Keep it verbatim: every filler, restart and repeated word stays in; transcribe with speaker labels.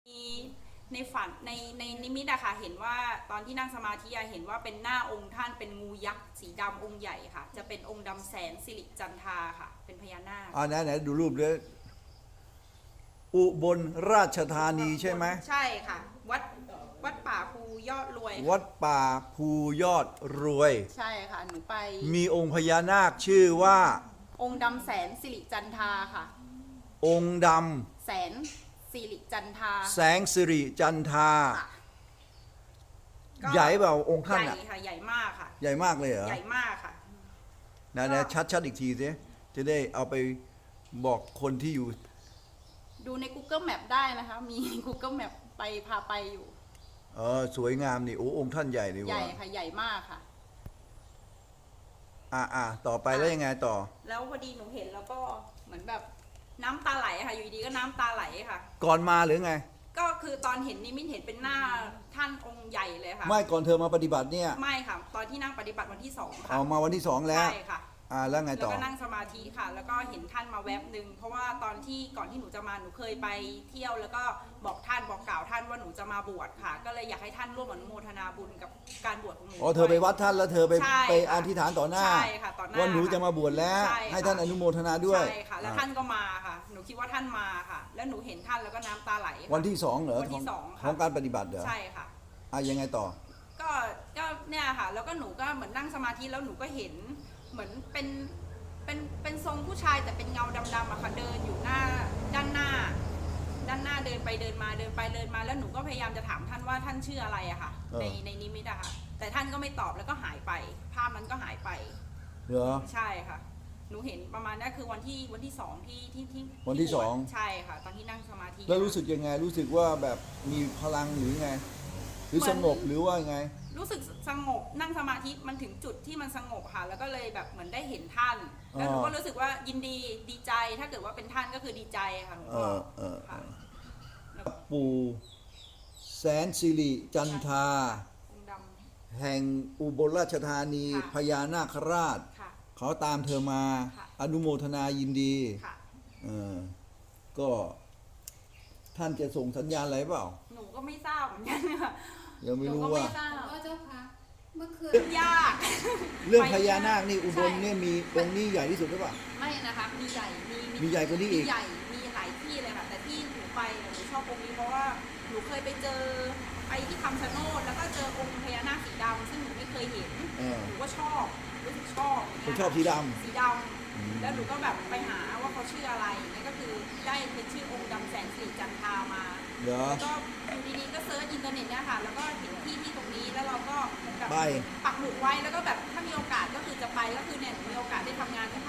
Speaker 1: มีในฝันในในนิมิตอะค่ะเห็นว่าตอนที่นั่งสมาธิอะเห็นว่าเป็นหน้าองค์ท่านเป็นงูยักษ์สีดำองค์ใหญ่ค่ะจะเป็นองค์ดำแสนสิริจันทราค่ะเป็นพญานาค
Speaker 2: อ่าไหนไหนดูรูปเลยอุบลราชธานีใช่ไหม
Speaker 1: ใช่ค่ะวัดวัดป่าภูยอดรวย
Speaker 2: วัดป่าภูยอดรวย
Speaker 1: ใช่ค่ะหนูไป
Speaker 2: มีองค์พญานาคชื่อว่า
Speaker 1: องค์ดำแสนสิริจันทราค่ะ
Speaker 2: องค์ด
Speaker 1: แสนสิริจันทรา
Speaker 2: ำแสงสิริจันทราใหญ่เปล่าองค์ท่านอ่ะ
Speaker 1: ใหญ่ค่ะใหญ่มากค่ะ
Speaker 2: ใหญ่มากเลยเหรอ
Speaker 1: ใหญ่มากค่ะ
Speaker 2: นะนะชัดชัดอีกทีสิจะได้เอาไปบอกคนที่อยู่
Speaker 1: ดูใน Google Map ได้นะคะมี Google Map ไปพาไปอยู่
Speaker 2: เออสวยงามนี่โอ้องค์ท่านใหญ่ดีว่ะ
Speaker 1: ใหญ่ค่ะใหญ่มากค่ะ
Speaker 2: อ่าอ่าต่อไปแล้วยังไงต่อ
Speaker 1: แล้วพอดีหนูเห็นแล้วก็เหมือนแบบน้ำตาไหลค่ะอยู่ดีก็น้ำตาไหลค่ะ
Speaker 2: ก่อนมาหรือไง
Speaker 1: ก็คือตอนเห็นนิมิตเห็นเป็นหน้าท่านองค์ใหญ่เลยค่ะ
Speaker 2: ไม่ก่อนเธอมาปฏิบัติเนี่ย
Speaker 1: ไม่ค่ะตอนที่นั่งปฏิบัติวันที่สองค่ะ
Speaker 2: เอามาวันที่สองแล้ว
Speaker 1: ใช่ค่ะ
Speaker 2: อ่าแล้วไงต่อ
Speaker 1: แล้วก็นั่งสมาธิค่ะแล้วก็เห็นท่านมาแวบหนึ่งเพราะว่าตอนที่ก่อนที่หนูจะมาหนูเคยไปเที่ยวแล้วก็บอกท่านบอกกล่าวท่านว่าหนูจะมาบวชค่ะก็เลยอยากให้ท่านร่วมอนุโมทนาบุญกับการบวชของหนู
Speaker 2: อ๋อเธอไปวัดท่านแล้วเธอไปไปอธิษฐานต่อหน้า
Speaker 1: ใช่ค่ะต่อหน้า
Speaker 2: ว่าหนูจะมาบวชแล้วให้ท่านอนุโมทนาด้วย
Speaker 1: ใช่ค่ะแล้วท่านก็มาค่ะหนูคิดว่าท่านมาค่ะแล้วหนูเห็นท่านแล้วก็น้ำตาไหล
Speaker 2: วันที่สองเหรอ
Speaker 1: วันที่สองค่ะ
Speaker 2: ของการปฏิบัติเหรอ
Speaker 1: ใช่ค่ะ
Speaker 2: อ่ะยังไงต่อ
Speaker 1: ก็ก็เนี่ยค่ะแล้วก็หนูก็เหมือนนั่งสมาธิแล้วหนูก็เห็นเหมือนเป็นเป็นเป็นทรงผู้ชายแต่เป็นเงาดำๆอะค่ะเดินอยู่หน้าด้านหน้าด้านหน้าเดินไปเดินมาเดินไปเดินมาแล้วหนูก็พยายามจะถามท่านว่าท่านชื่ออะไรอะค่ะในในนิมิตอะค่ะแต่ท่านก็ไม่ตอบแล้วก็หายไปภาพนั้นก็หายไป
Speaker 2: เหรอ
Speaker 1: ใช่ค่ะหนูเห็นประมาณนั้นคือวันที่วันที่สองที่ที่ที่
Speaker 2: วันที่สอง
Speaker 1: ใช่ค่ะตอนที่นั่งสมาธิ
Speaker 2: แล้วรู้สึกยังไงรู้สึกว่าแบบมีพลังหรือไงหรือสงบหรือว่าไง
Speaker 1: รู้สึกสงบนั่งสมาธิมันถึงจุดที่มันสงบค่ะแล้วก็เลยแบบเหมือนได้เห็นท่านแล้วหนูก็รู้สึกว่ายินดีดีใจถ้าเกิดว่าเป็นท่านก็คือดีใจค่ะหนูก็
Speaker 2: ปู่แสนสิริจันทราแห่งอุบลราชธานีพญานาคราชเขาตามเธอมาอนุโมทนายินดีเออก็ท่านจะส่งสัญญาณอะไรเปล่า
Speaker 1: หนูก็ไม่ทราบเหมือนกันค่ะ
Speaker 2: ยังไม่รู้ว่า
Speaker 3: เจ้าค่ะเมื่อคืน
Speaker 1: ยาก
Speaker 2: เรื่องพญานาคนี่อุบลเนี่ยมีองค์นี้ใหญ่ที่สุดหรือเปล่า
Speaker 1: ไม่นะคะมีใหญ่มี
Speaker 2: มีใหญ่กว่านี้อีก
Speaker 1: ใหญ่มีหลายที่เลยค่ะแต่ที่หนูไปหนูชอบองค์นี้เพราะว่าหนูเคยไปเจอไปที่คำชะโนดแล้วก็เจอองค์พญานาคสีดำซึ่งหนูไม่เคยเห็นหนูก็ชอบรู้สึกชอบ
Speaker 2: ผมชอบสีด
Speaker 1: ำสีดำแล้วหนูก็แบบไปหาว่าเขาชื่ออะไรนั่นก็คือได้เป็นชื่อองค์ดำแสนสิริจันทรามาแล้วก็อยู่ดีๆก็เซิร์ชอินเทอร์เน็ตเนี่ยค่ะแล้วก็เห็นที่ที่ตรงนี้แล้วเราก็แบบปักหมุดไว้แล้วก็แบบถ้ามีโอกาสก็คือจะไปก็คือเนี่ยมีโอกาสได้ทำงานกับ